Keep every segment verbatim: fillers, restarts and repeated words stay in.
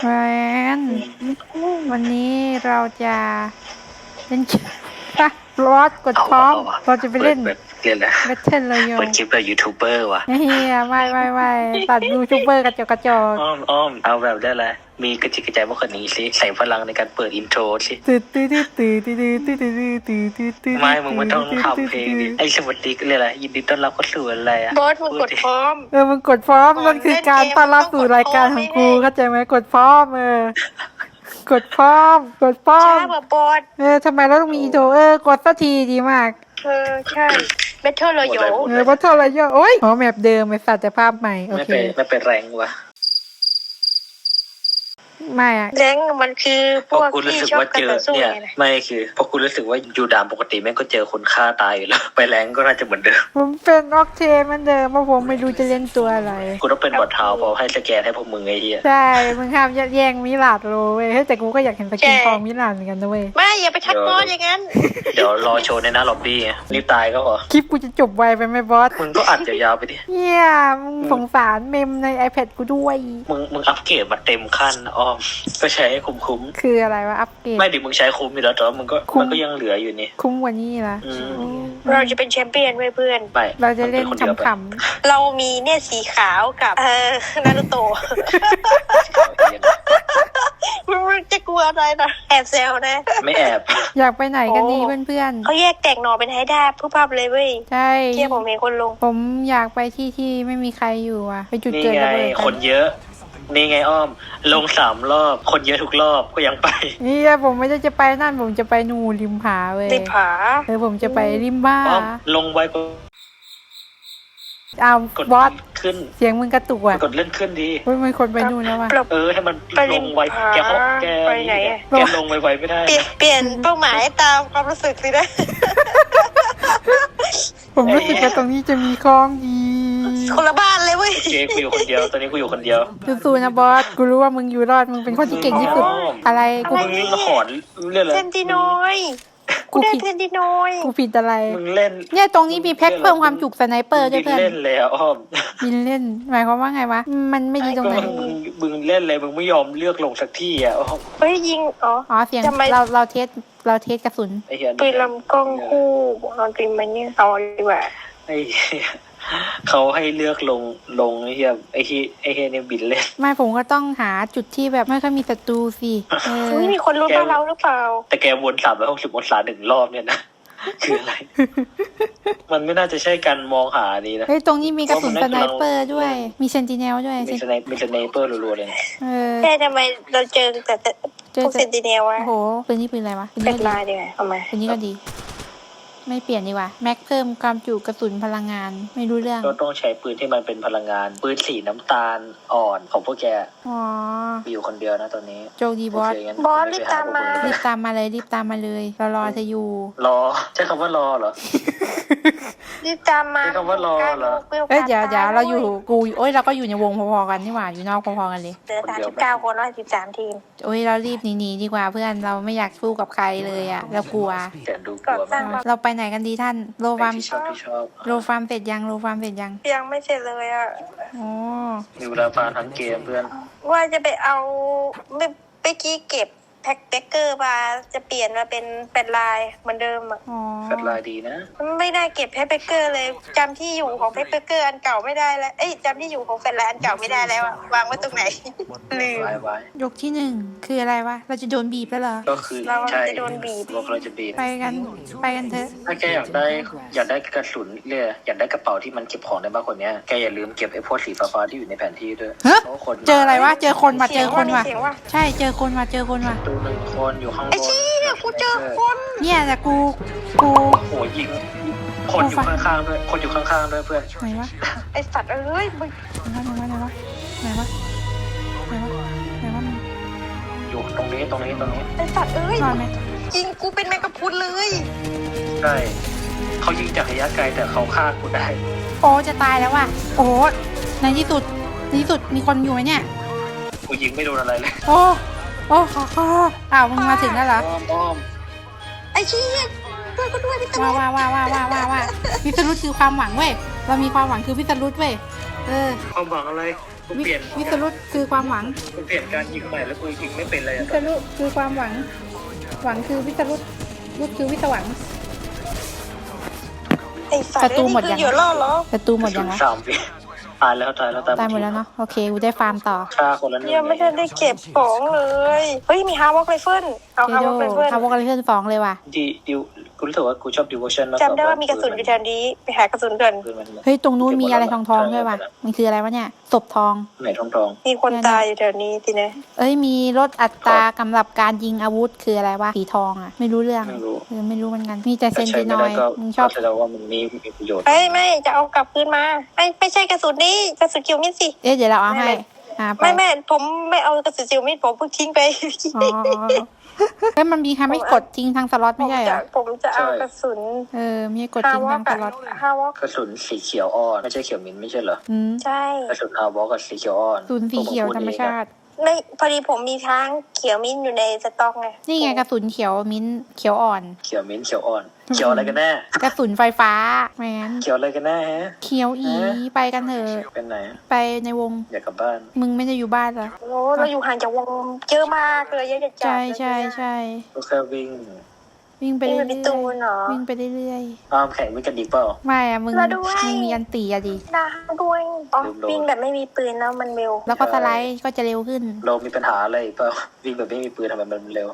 แวนวันนี้เราจะเล่นเกมปะรอดกดพร้อมเราจะไปเล่นเปิดเรียนแล้วแบทเทิลเลยโยเปิดคลิปแบบยูทูบเบอร์ว่ะเฮียไม่ไม่ไม่ตัดยูทูบเบอร์กระจกกระจกอ้อมอ้อมเอาแบบได้เลยมีกระจิกกระจายมากกว่านี้สิใส่พลังในการเปิดอินโทรสิตื่นตื่นตื่นตื่นตื่นตื่นตื่นตื่นตื่นตื่นตื่นไม่มึงไม่ต้องทำเพลงดิไอ้สวัสดีเรียกอะไรยินดีต้อนรับเข้าสู่อะไรอะบอสมึงกดพร้อมเออมึงกดพร้อมมันคือการต้อนรับสู่รายการของกูเข้าใจไหมกดพร้อมเออกดพร้อมกดพร้อช้าม กว่าบอสเออทำไมเราต้องมีโทรเออกดสักทีดีมากเออใช่เบทเทิลเราอยู่เออว่าเท่าไรเยอะโอ้ยอ๋อแมปเดิมไอ้สัตว์แต่ภาพใหม่โอไม่เคเป็นไม่เป็นแรงว่ะไม่อะแรงมันคือพเพราะวกกูรู้ที่สึกชอบว่ากันเจอต่อสู้เนี่ยไงนะไม่คือเพราะกูรู้สึกว่าอยู่ดามปกติแม่งก็เจอคนฆ่าตายอยู่แล้ว ไปแรงก็น่าจะเหมือนเดิมผมเป็นออกเทนเหมันเดิมเพราะผมไม่รู้จะเล่นตัวอะไรกูต้องเป็นบอทเท้าเพราะให้สแกนให้พวกมึงไอ้เหี้ยใช่ มึงห้ามยัดแย่งมิลาดโรเว้ยเฮ้ยแต่กูก็อยากเห็นสกินทองมิลาดเหมือนกันนะเว้ยไม่อย่าไปทักบอสอย่างนั้นเดี๋ยวรอโชว์ในหน้าล็อบบี้ไงรีบตายก็พอคลิปกูจะจบไวไปไหมบอสมึงก็อัดยาวๆไปดิเฮียมึงสงสารเมมใน iPad กูด้วยมึงมึงอัปเกรดมาเต็มขั้นนะอ้อมก็ใช้ให้คุ้มคืออะไรวะอัปเกรดๆไม่ดิมึงใช้คุ้มอยู่แล้วแต่ว่ามึงก็คุ้มมันก็ยังเหลืออยู่นี่คุ้มกว่านี้ละอืมเราจะเป็นแชมเปี้ยนไว้เพื่อนไม่เราจะเล่นมัป็คดียวไปขำเรามีเนี่ยสีขาวกับเออนารูโตะมึงจะกลัวอะไรนะแอบแซวนะไม่แอบๆอยากไปไหนกันดีโอ้เพื่อนเขาแยกแตกหน่อเป็นไฮด้าผู้ภาพเลยเว้ยๆ ใช่เที่ยผมเห็นคนลงผมอยากไปที่ที่ไม่มีใครอยู่อ่ะ ไปจุดนี่เกิดไงระเบิดคนเยอะ นี่ไงอ้อม ลงสามรอบ คนเยอะทุกรอบก็ยังไปนี่ผมไม่ได้จะไปนั่นผมจะไปนูริมผาเว้ยติดผาเออผมจะไปริมบ้าอ้อมลงไว้ก็อ้าวกดบอสขึ้นเสียงมึงกระตุกอ่ะกดเลื่อนขึ้นดีเฮ้ยมันคนไปนู่นแล้วว่ะปรับเออให้มันไปริลมงไวผาแกเขาแกไปไหนอะแกลงไวๆไม่ได้เปลี่ยนเปลี่ยนเป้าหมายตามความรู้สึกสินะผมรู้สึกว่าตรงนี้จะมีคลองดีคนละบ้านเลยเว้ยเจกูอยู่คนเดียว ตอนนี้กูอยู่คนเดียวสู้ๆนะบอสกูรู้ว่ามึงอยู่รอดมึงเป็นคนที่เก่งที่สุดอ๋อออะไรกูมึงนี่หอนเรื่องอะไรเซนติโนยกูได้เซนติโนยกูผิดอะไรมึงเล่นเนี่ยตรงนี้มีแพ็คเพิ่มความจุสไนเปอร์ด้วยเพื่อนเล่นแล้วอ้อมบินเล่นหมายความว่าไงวะมันไม่ดีตรงไหนมึงมึงเล่นเลยมึงไม่ยอมเลือกลงสักที่อ่ะอ้อมเฮ้ยยิงอ๋ออ๋อเสียงทำไมเราเราเทสเราเทสกระสุนไอ้เหี้ยปืนลำกล้องคู่เอาจริงมันเนี่ยเอาดีกว่าไอ้เหี้ยเขาให้เลือกลงลงไอ้เหี้ยไอ้ที่ไอ้เหี้ยเนี่ยบินเล่นไม่ผมก็ต้องหาจุดที่แบบไม่ค่อยมีศัตรูสิเออเฮ้ยมีคนรู้บ้านเราหรือเปล่าแต่แกวนสามร้อยหกสิบองศาหนึ่งรอบเนี่ยนะ คืออะไร มันไม่น่าจะใช่การมองหาดีนะเฮ้ยตรงนี้มีกระสุนสไนเปอร์ด้วย มีเซนติเนลด้วยมีสไนมีสไนเปอร์รัวๆเลยนะเออแต่ทำไมเราเจอแต่แต่เจอพวกแต่เซนติเนลวะโอ้โหปืนนี้ปืนอะไรวะปืนเป็นี้นก็ดีลายดีกว่าเอามาปืนนี้ก็ดี ไม่เปลี่ยนดีกว่าแม็กเพิ่มความจุกระสุนพลังงานไม่รู้เรื่องก็ต้องใช้ปืนที่มันเป็นพลังงาน ปืนสีน้ำตาลอ่อนของพวกแกอ๋อมีอยู่คนเดียวนะตอนนี้โจกดีบอสโเคงั้นบอสรีบตามมารีบตามมาเลยรีบตามมาเลยเรารอเธออยู่รอใช้คำว่ารอเหรอรีบตามมาใช้คำว่ารอเหรอเอ้ยเดี๋ยวเดี๋ยวเราอยู่กูโอ้ยเราก็อยู่ในวงพอๆกันนี่หว่าอยู่นอกพอๆกันเลยเหลือสามสิบเก้าคนแล้วสิบสามทีมโอ้ยเรารีบหนีๆดีกว่าเพื่อนเราไม่อยากสู้กับใครเลยอ่ะเรากลัวแต่ดูกลัวมากเราไปไหนกันดีท่านโลไปฟาร์มที่ชอบที่ชอบโลฟาร์มเสร็จยังโลฟาร์มเสร็จยังยังไม่เสร็จเลยอ่ะอ๋อมีเวลาฟาทั้งเกมเพื่อนว่าจะไปเอาเมื่อเมื่อกี้เก็บแพ็คเบเกอร์มาจะเปลี่ยนมาเป็นเป็นลายเหมือนเดิมอ่ะอ๋อแฟลชไลน์ดีนะไม่ได้เก็บแพ็คเบเกอร์เลยจำที่อยู่ของแพ็คเบเกอร์อันเก่าไม่ได้แล้วเอ้ยจำที่อยู่ของแฟลชไลน์อันเก่าไม่ได้แล้วอะวางไว้ตรงไหนลืมไว้ไว้ยกที่หนึ่งคืออะไรวะเราจะโดนบีบแล้วเหรอก็คือเราใช่จะโดนบีบบอกเราจะบีบไปกันไปกันเถอะถ้าแกอยากได้อยากได้กระสุนเรื่อยอยากได้กระเป๋าที่มันเก็บของได้มากกว่านี้แกอย่าลืมเก็บไอ้พวกสีฟ้าๆที่อยู่ในแผนที่ด้วยฮะเพราะคนเจออะไรวะเจอคนว่ะเจเสียอง คนว่ะเสียงว่าใช่เจอคนว่ะเจอคนว่ะตัวหนึ่งคนอยู่ข้างบไอ้นชี้เนี่ยกูเจอคนเนี่ยแต่กูกูโอ้โหยิงคนอยู่ข้างๆด้วยคนอยู่ข้างๆด้วยเพื่อนไหนวะไอ้สัตว์เอ้ยมึงไหนวะไหนวะไหนวะไหนวะไหนวะไหนวะมึงอยู่ตรงนี้ตรงนี้ตรงนี้ไอ้สัตว์เอ้ยรอดไหมยิงกูเป็นแมงกะพรุนเลยใช่เขายิงจากระยะไกลแต่เขาฆ่ากูได้โอ้จะตายแล้วว่ะโอ้โหในที่สุดในที่สุดมีคนอยู่ไหมเนี่ยกูยิงไม่โดนอะไรเลยโอ้โอ้ขอขออ้าวมึงมาถึงแล้วเหรออ้อมอ้อมไอ้ชี้ช่วยกูด้วยพี่ตำรว้าวจว้าวว้าวว้าวว้าวว้าววิสรุตคือความหวังเว้ยเรามีความหวังคือวิสรุตเว้ยเออความหวังอะไรกูวิเปลี่ยนวิสรุตคือความหวังกูเปลี่ยนการยิงใหม่แล้วกูยิงไม่เป็นเลยวิอะสรุตคือความหวัง หวังคือวิสรุตรุตคือวิสหวังไอ้ฝันประตูหมดยังนี่คืออยู่รอดเหรอประตูหมดยังวะสามวิตายแล้วตายแล้วตายหมดแล้วเนาะโอเคกูได้ฟาร์มต่อฆ่าคนละหนึ่งยังไม่ทันได้เก็บของเลยเฮ้ยมีฮาวอกไรเฟิลเอาเจฮาโดวอกไรเฟิลทาวอกอะไรเพื่อนฟ้องเลยว่ะดีดิวกูรู้สึกว่ากูชอบดิวชั่นมากกจำได้ว่ามีกระสุนอยู่แถวนี้ไปหากระสุนกันเฮ้ยตรงนู้นมีอะไรทองทองๆด้วยว่ะมันคืออะไรวะเนี่ยศพทองไหนทองทองมีคนตายอยู่แถวนี้ทีนะเอ้ยมีลดอัตรากำหรับการยิงอาวุธคืออะไรวะสีทองอ่ะไม่รู้เรื่องไม่รู้เออไม่รู้เหมือนกันมีแต่เซถ้าน ใช้ตินไม่อได้ยก็มึงชอบก็แสดงว่ามันมีมีประโยชน์เฮ้ยไม่จะเอากลับคืนมาไม่ไม่ใช่กระสุนนี้กระสุนคิวมิดสิเอ๊ะเดี๋ยวเราเอาให้อ่าไปไม่ไม่ผมไม่เอากระสุนคิวมิดผมเพิ่งทิ้งไปอ๋อเอ้ยมันมีทำให้กดทิ้งทางสล็อตไม่ใช่เหรอผมจะเอากระสุนเออมีให้กดฮาทิ้งวอทาก งสอะล็อตฮาวอกกระสุนสีเขียวอ่อนไม่ใช่เขียวมิ้นท์ไม่ใช่เหรออืมใช่กระสุนฮาวอกับสีเขียวอ่อนศูนย์สีเขียวธรรมชาติไม่พอดีผมมีทั้งเขียวมิ้นท์อยู่ในสต็อกไงนี่ไงกระสุนเขียวมิ้นท์เขียวอ่อนเขียวมิ้นท์เขียวอ่อนเขียวอะไรกันแน่กระสุนไฟฟ้าแมนเขียวอะไรกันแน่ฮะเขียวอีไปกันเถอะเป็นไหนไปในวงอยากกลับบ้านมึงไม่ได้อยู่บ้านเหรอโอ้เราอยู่ห่างจากวงเยอะมากเลยเยอะจัดๆใช่ใช่ใช่ก็แค่วิ่งวิ่งไปนี่เรื่มันอยเป็นตูนเหรอๆวิ่งไปเรื่อยอ้ามแข่งวิ่งกันดีเปล่าๆไม่อะมึงเราด้วยมึงมีอันตีอะดิดาด้วยอ๋อลืมโดนวิ่งแบบไม่มีปืนแล้วมันเร็วแล้วก็สไลด์ก็จะเร็วขึ้นเรามีปัญหาอะไรเปล่าวิ่งแบบไม่มีปืนทำไมมันเร็ว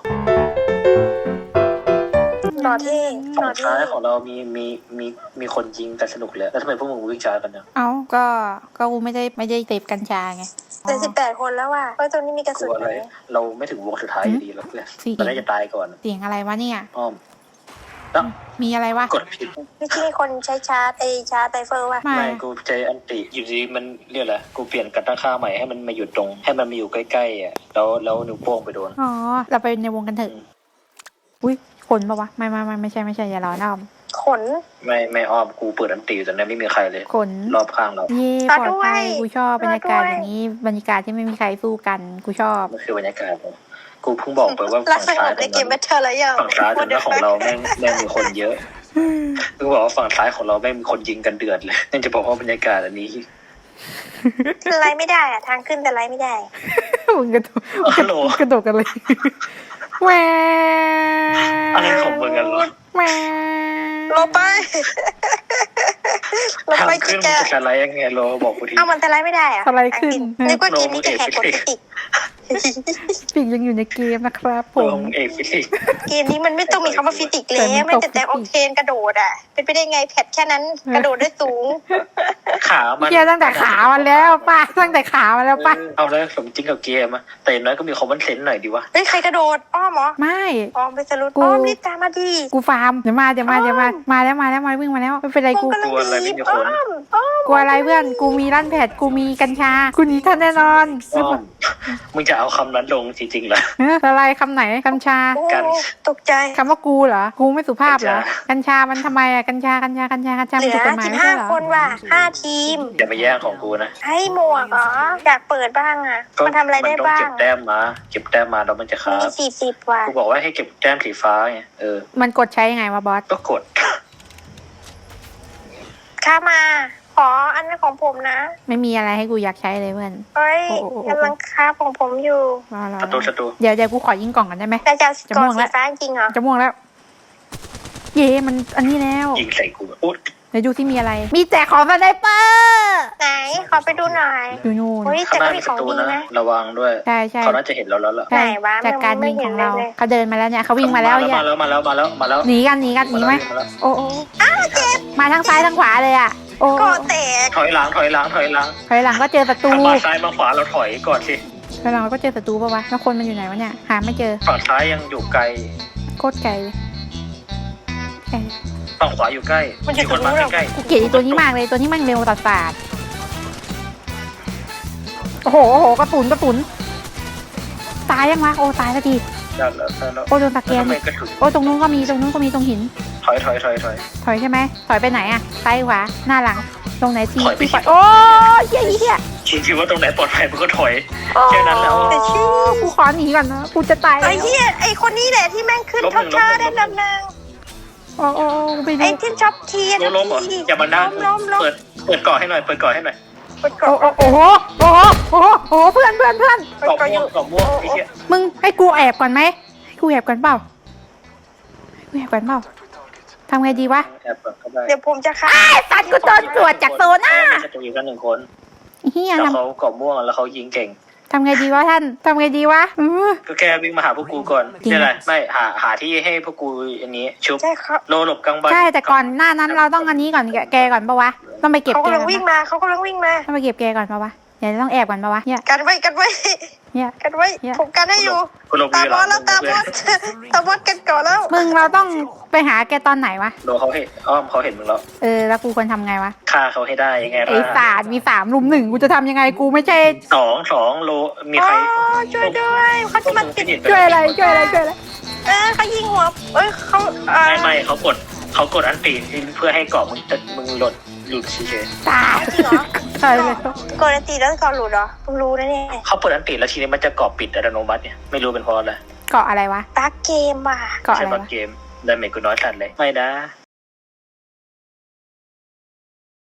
หล่อเท่หฝั่ล่อง เท่ซ้ายของเรามีมีมีมีคนยิงกันสนุกเลยแล้วทำไมพวกมึงวิ่งช้ากันเนี่ยเอ้าก็ก็กูไม่ได้ไม่ได้เสพกัญชาไงเหลือสิบแปดคนแล้วว่ะเฮ้ยตรงนี้มีกระกสุลันวอะไรไหมเราไม่ถึงวงสุดท้ายอยู่ดีหรอกเพื่อนสี่ตอนนี้จะตายก่อนเสียงอะไรวะเนี่ยอ้อมแล้วมีอะไรวะกดผิดไม่ใช่คนใช้ชาร์จไอชาร์จไตเฟอร์ว่ะไม่ไม่กูใจอันติอยู่ดีมันเรียกอะไรกูเปลี่ยนกันตั้งค่าใหม่ให้มันมาอยู่ตรง ให้มันมาอยู่ใกล้ๆอ่ะแล้วแล้วนิ้วโป้งไปโดนอ๋อเราไปในวงกันเถอะอุ้ยขนปะวะไม่ไม่ไม่ไม่ใช่ไม่ใช่อย่าร้อนอ้อมขนไม่ไม่อ้อมกูเปิดอันติอยู่แต่เนี่ยไม่มีใครเลยขนรอบข้างเราเย่ปลอดภัยกูชอบบรรยากาศอย่างนี้บรรยากาศที่ไม่มีใครสู้กันกูชอบมันคือบรรยากาศผมกูเพิ่งบอกไปว่ารักฝั่งสงซ้ายบขในองเกมแบเราทเทิลแล้วยังฝั่งซ้ายของเราของเราแม่งแม่งมีคนเยอะเพิ่งบอกว่าฝั่งซ้ายของเราแม่งมีคนยิงกันเดือดเลยนั่นจะบอกว่าบรรยากาศอันนี้ไลฟ์ไม่ได้อะทางขึ้นแต่ไลฟ์ไม่ได้มึงกระโดดฮัลโหลกระโดดกันเลยแหวอะไรของมึงกันเหรอแหวลบไปลบทางไปขึ้จินกมันอะจะอะไรยังไงโลบอกกูทีเอามันแต่ไลฟ์ไม่ได้อะสไลด์ขึ้นนึกว่าเกมนี้จะแหกกฎฟิสิกส์ปีกยังอยู่ในเกมนะครับผลมงเอกฟิสิกส์เกมนี้มันไม่ต้องมีคำว่าฟิสิกส์แล้วไม่แต่แต่ออกเทนกระโดดอะเป็นไปได้ไงแพทแค่นั้นกระโดดได้สูงขามันเกียตั้งแต่ขามันแล้วป้าตั้งแต่ขามันแล้วป้าเออเอาแล้วสมจริงกับเกมอะแต่อย่างน้อยก็มีคอมมอนเซนส์หน่อยดีวะเฮ้ยใครกระโดดอ้อมเหรอไม่อ้อมไปสรุปกูอ้อมรีบตามมาดีกูฟาร์มเดี๋ยวมาเดี๋ยวมาเดี๋ยวมามาแล้วมาแล้วมาวิ่งมาแล้วไม่เป็นไรกูกำลังดีอ้อมอ้อมกลัวอะไรเพื่อนกูมีลั่นแผดกูมีกัญชากูหนีทันแน่นอนอ้อมมึงจะเอาคำนั้นลงจริงๆเหรอเอออะไรคำไหนกัญชาโอ้กันตกใจคำว่ากูเหรอ กูไม่สุภาพเหรอกักัญชา มันทำไมอะกัญชา กัญชา กัญชา กัญชาเหมันลืถูอกกฎหมายสิบไม่ห้าใช่เหรอคนว่ะห้าทีมอย่าไปแย่งของกูนะให้หมวกเหรออยากเปิดบ้างอ่ะ มันทำอะไรได้มันต้องบ้าเก็งบแต้มมาเก็บแต้มมาแล้วมันจะค้ามีสี่สิบว่ะกูบอกว่าให้เก็บแต้มสีฟ้าไงเออมันกดใช้ยังไงวะบอสก็กดข้ามา ขออันนั้นของผมนะไม่มีอะไรให้กูอยากใช้เลยเพื่อนเฮ้ยโอ้โอ้โอ้กำลังค้าของผมอยู่รอรอประตูประตูเดี๋ยวเดี๋ยวกูขอยิงกล่องกันได้ไหมแต่จะจะกม่อวงสีแล้วฟ้าจริงเหรอจะม่วงแล้ว เย่มันอันนี้แล้วยิงใส่กูอุ๊ยเดี๋ยวดูที่มีอะไร มีแจกของสไนเปอร์ไหน ขอไปดูหน่อยอยู่นู่นเฮ้ยข้างแต่หก็น้ามีมีปของระตูดีนะนะระวังด้วยใช่ใช่เขาน่าจะเห็นเราแล้วล่ะใช่ไหนวะจากการยิงของเราไม่เห็นเลยเขาเดินมาแล้วเนี่ยเขาวิ่งมาแล้วมาเนี่ยแล้วมาแล้วมาแล้วมาแล้วหนีกันหนีกันหนีไหมาแล้วโอ้โอ้อ้าวเจ็บมาทั้งซ้ายทั้งขวาเลยอ่ะโอ้ก็แตกถอยหลังถอยหลังถอยหลังถอยหลังก็เจอศัตรูถ้ามาซ้ายมาขวาเราถอยก่อนสิถอยหลังก็เจอศัตรูปะวะแล้วคนมันอยู่ไหนวะเนี่ยหาไม่เจอฝั่งซ้ายยังอยู่ไกลโคตรไกลเลยไกลฝั่งขวาอยู่ใกล้มีคนมาใกล้กูเกลียดไอ้ตัวนี้มากเลยตัวนี้มันเร็วตัดสาดโอ้โหโอ้โหกระสุนกระสุนตายยังวะโอ้ตายแล้วทีๆแล้วแล้วแล้วโอ้โดนตะแกแล้วนทำไมกระสุนโอ้ตรงนู้นก็มีตรงนู้นก็มีตรงหินถอยถอยถอยถอยถอยใช่ไหมถอยไปไหนอะซ้ายขวาหน้าหลังตรงไหนทีถอยไปที่ปล่อยโอ้ยเหี้ยเหี้ยคิดว่าตรงไหนปลอดภัยมันก็ถอย แค่นั้นแหละแต่ชื่อกูขอหนีก่อนนะกูจะตายแล้ไอ้วเหี้ยไอ้คนนี้แหละที่แม่งขึ้นลบหท็อนึ่ปงชาลบหนึ่ได้งลำนางโอ้โอ้โอ้ไปดูไอ้ที่ช็อปทีล้มล้มเหรออย่ามาด้านล้มล้มเปิดเปิดก่อให้หน่อยเปิดก่อให้หน่อยมันโอ้เกาะโอ้โอ้โหโอ้โหโอ้โหโอ้โหเพื่อนเพื่อนเพื่อนมันเกาะเกาะอม่วยู่งเกาะม่วงไอ้เหี้ยมึงให้กูแอบก่อนไหมให้กูแอบก่อนเปล่าให้กูแอบก่อนเปล่าทำไงดีวะแอบเปิดเข้าไปเดี๋ยวผมจะฆ่าไอ้สัตว์กูโดนตรวจจากโซน่ามีศัตรูอยู่กันหนึ่งคนเฮียแล้วทเขาเกาะม่วงแล้วเขายิงเก่งำทำไงดีวะท่านทำไงดีวะอื้อก็แค่วิ่งมาหาพวกกูก่อนจริงนี่อะไรไม่หาหาที่ให้พวกกูอันนี้ชุบใช่ครับโลหลบกลางบ้านใช่แต่ก่อนหน้านั้นเราต้องอันนี้ก่อนแกแกก่อนปะวะต้องไปเก็บเขาแกกำลังก่อนวิ่งปะมาเขากำลังวิ่งมาต้องไปเก็บแกก่อนปะวะเดี๋ยวต้องแอบก่อนปะวะเนี่ยกันไว้กันไว้เนี่ยกันไว้เนี่ยผมกันให้อยู่กูหลบตาอยู่บหอลัสงแล้วตาบอสตาบอสกันก่อนแล้วมึงเราต้องไปหาแกตอนไหนวะโลเขาเห็นอ้อมเขาเห็นมึงแล้วเออแล้วกูควรทำไงวะฆ่าเขาให้ได้ยังไงไอ้ล่ะสารมีสามรุมหนึ่งกูจะทำยังไงกูไม่ใช่สองสองโลมีอ๋ใครอช่วยด้วยเขาจะมาปิดช่วยอะไรช่วยอะไรช่วยอะไรเออเขายิงหัวเอ้ยเขาเอ่อไม่ไม่เขากดเขากดอันตีเพื่อให้เกาะมึงจะมึงหลดหลุดเฉยตายจริงเหรอตายเลยกดตีแล้วก่อนหลุดเหรอเพิ่งรู้นะเนี่ยๆเขาเปิดอันตีแล้วทีนี้มันจะเกาะปิดอัตโนมัติเนี่ยไม่รู้เป็นเพราะอะไรเกาะอะไรวะตาเกมอ่ะเกาะอะใช่ไรบางวะเกมดาเมจกูน้อยสัตว์เลยไม่นะ